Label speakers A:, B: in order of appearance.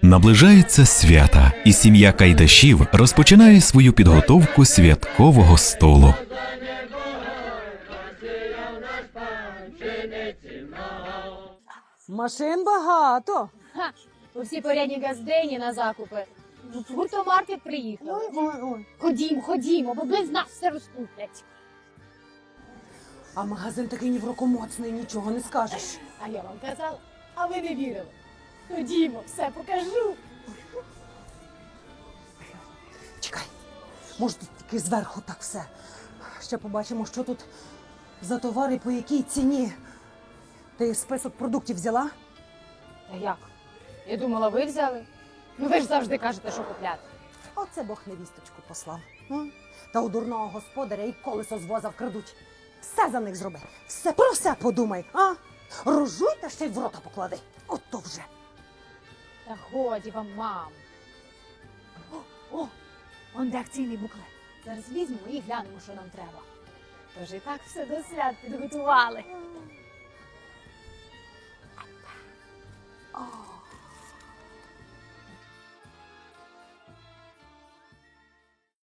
A: Наближаються свята, і сім'я Кайдашів розпочинає свою підготовку святкового столу.
B: Машин багато.
C: Ха, усі порядні газдені на закупи. В гуртомаркет приїхали.
B: Ой.
C: Ходімо, бо без нас все розкуплять.
B: А магазин такий ні в року моцний, нічого не скажеш.
C: А я вам казала, а ви не вірили. Ходімо, все покажу.
B: Чекай, може тут тільки зверху так все. Ще побачимо, що тут за товари, по якій ціні. Ти список продуктів взяла?
C: Та як? Я думала, ви взяли. Ну ви ж завжди кажете, що купляти.
B: Оце Бог невісточку послав. Та у дурного господаря і колесо з воза вкрадуть. Все за них зроби. Все про все подумай, а? Рожуй та ще й в рота поклади. Ото вже.
C: Та годі вам, мам. О, он де акційний буклет. Зараз візьмемо і глянемо, що нам треба. Тож і так все до свят підготували.